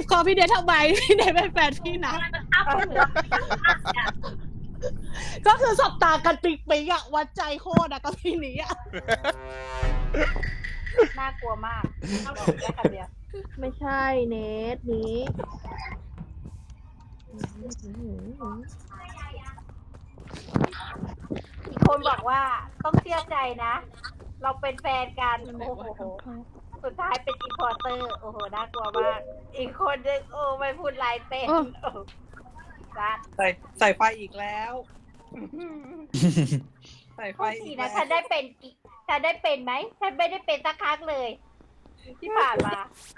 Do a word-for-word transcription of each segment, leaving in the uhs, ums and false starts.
ขอพี่เดชทำไมพี่เดชเป็นแฟนพี่นะก็คือสบตากันปิ๊กปิ๊กอะวัดใจโคตรอะกับพี่นี้อะน่ากลัวมากบอกแค่คำเดียวไม่ใช่เนทนี้อีกคนบอกว่าต้องเชื่อใจนะ เราเป็นแฟนกันโอ้โหสุดท้ายเป็นอีพอร์เตอร์โอ้โหน่ากลัวมากอีกคนนึงโอ้ไม่พูดลายเป็นจัดใส่ใส่ไฟอีกแล้ว ใส่ไฟพูดอีทีกนะแล้วฉันได้เป็นกี่ฉันได้เป็นไหมฉันไม่ได้เป็นสักครั้งเลย ที่ผ่านมา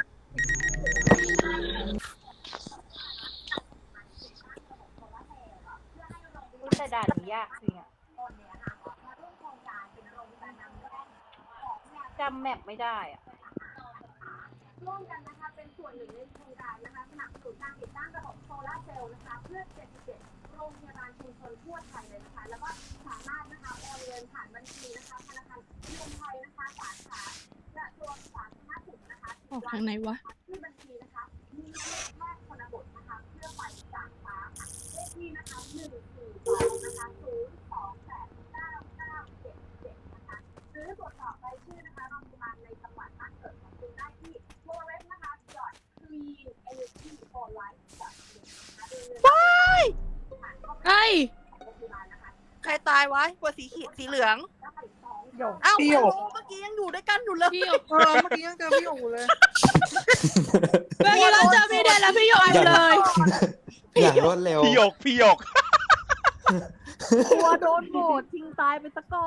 อุ๊ยแต่ด่านนี้ยากจริงอะจำแมปไม่ได้อะร่วมกันนะคะเป็นส่วนหนึ่งในโครงการนะคะสนับสนุนการติดตั้งระบบโซลาร์เซลล์นะคะเพื่อเจ็ดสิบเจ็ดโรงพยาบาลชุมชนทั่วไทยเลยนะคะแล้วก็สามารถนะคะโอนเงินผ่านบัญชีนะคะธนาคารกรุงไทยนะคะสาขากระทรวงสาธารณสุขนะคะออกทางไหนวะที่บัญชีนะคะมีแพทย์ชนบทนะคะเพื่อไปจากฟ้าค่ะเลขที่นะคะหนึ่งสี่สองนะคะศูนย์สองแปดเก้าเก้าเจ็ดเจ็ดนะคะหรือตรวจสอบรายชื่อนะคะโรงพยาบาลในจังหวัดบ้านเกิดของคุณได้ที่โมเรสนะคะ clean energy for life ว้ายไอ้ใครตายวะกว่าสีเขียวสีเหลืองหยกอ้าวพี่หยกเมื่อกี้ยังอยู่ด้วยกันอยู่เลยพี่หยกเออเมื่อกี้ยังเจอพี่หยกอยู่เลยเมื่อกี้เราเจอพี่เดชแล้วพี่หยกอยู่เลยอย่างรวดเร็วพี่หยกพี่หยกกลัวโดนโหวตทิ้งตายไปซะก่อน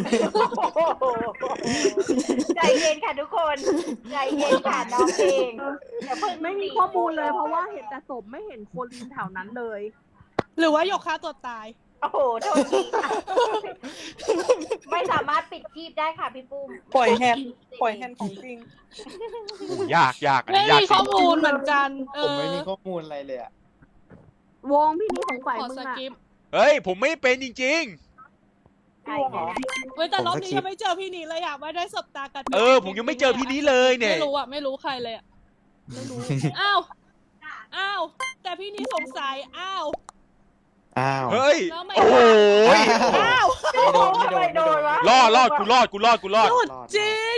ใจเย็นค่ะทุกคนใจเย็นค่ะน้องเองอย่าเพิ่งไม่มีข้อมูลเลยเพราะว่าเห็นแต่ศพไม่เห็นโคลินแถวนั้นเลยหรือว่าหยกฆ่าตัวตายโอ้โหโทษทีค่ะไม่สามารถปิดคลิปได้ค่ะพี่ปุ้มปล่อยแฮนด์ปล่อยแฮนด์ของจริงยากยากอันไม่นี้ยากมีจข้ริอง มูลเหมือนกันเอผมอไม่มีข้อมูลอะไรเลยอะวงพี่นี่สงสัยขอมึงสอะกิปเฮ้ย ผมไม่เป็นจริงใช่ค่ะเว้ยแต่รอบนี้ยังไม่เจอพี่นี้เลยอะไม่ได้สบตากันๆ เออ ผมยังไม่เจอพี่นี้เลยเนี่ยไม่รู้อะไม่รู้ใครเลยอะไม่รู้อ้าวอ้าวแต่พี่นี้สงสัยอ้าวอ้าวเฮ้ยแล้วไม่โอ้โหอ้าวโอ้โหทำไมโดนวะรอดรอดกูรอดกูรอดกูรอดหยุดจริง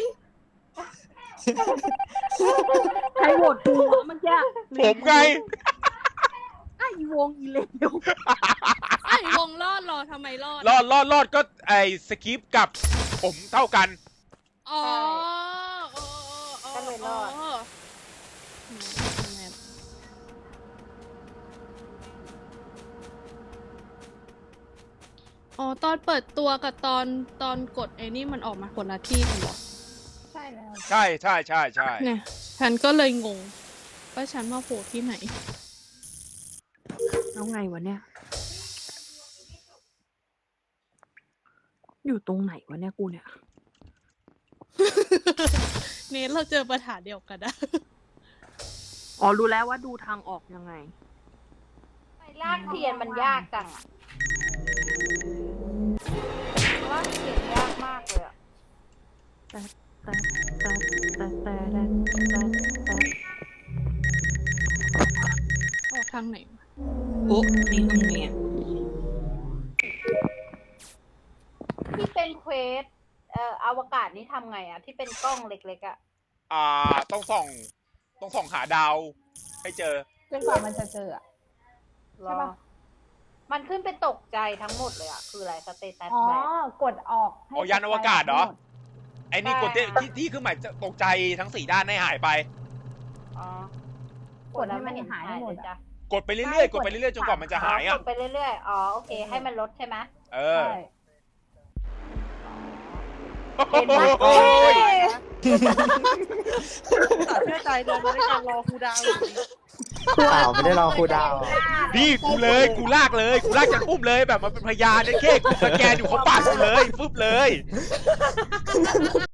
ใครโหวตกูวะเมื่อกี้ผมไงไอ้วงอีเลวไอ้วงรอดเหรอทำไมรอดรอดรอดรอดก็ไอสคริปต์กับผมเท่ากันอ๋อก็เลยรอดอ๋อตอนเปิดตัวกับตอนตอนกดไอ้นี่มันออกมาคนละที่กันเหรอใช่แล้วใช่ใช่ใช่ใช่เนี่ยฉันก็เลยงงว่าฉันมาโผล่ที่ไหนเอาไงวะเนี่ย อยู่ตรงไหนวะเนี่ยกูเนี่ยเนทเราเจอปัญหาเดียวกันนะอ๋อรู้แล้วว่าดูทางออกยังไงไปลากเทียนมันยากจังอะลากเทียนยากมากเลยอะแต่แต่แต่แต่แต่แต่แต่แต่ออกทางไหนวะโอ้นี่ทำไงอ่ะที่เป็นเควสเอ่ออวกาศนี่ทำไงอะที่เป็นกล้องเล็กๆอะอ่าต้องส่อง ต้องส่องหาดาว ให้เจอจนกว่ามันจะเจออะรอมันขึ้นเป็นตกใจทั้งหมดเลยอะคืออะไรสเตตัสอ๋อแบบกดออกให้อ๋อยานอวกาศเหรอทั้งมดไอ้นี่กดที่ที่ที่คือหมายจะตกใจทั้งสี่ด้านให้หายไปอ๋อกดให้มันหายให้หมดเลยอะจ้ะกดไปเรื่อยๆ กดไปเรื่อยๆ จนกว่ามันจะหายกอ่ะดไปเรื่อยๆ อ๋อ โอเค ให้มันลดใช่ไหมเออใช่เห็นไหมโอ้ยตัดเชื่อใจเดินมาด้วยกันรอครูดาวอยู่ดีเปล่าไม่ได้รอครูดาวนี่กูเลย กูลากเลย กูลากจากอุ้มเลยแบบมันเป็นพยานเนี่ยแค่กูสแกนอยู่เขาปาดกูเลย ฟึบเลย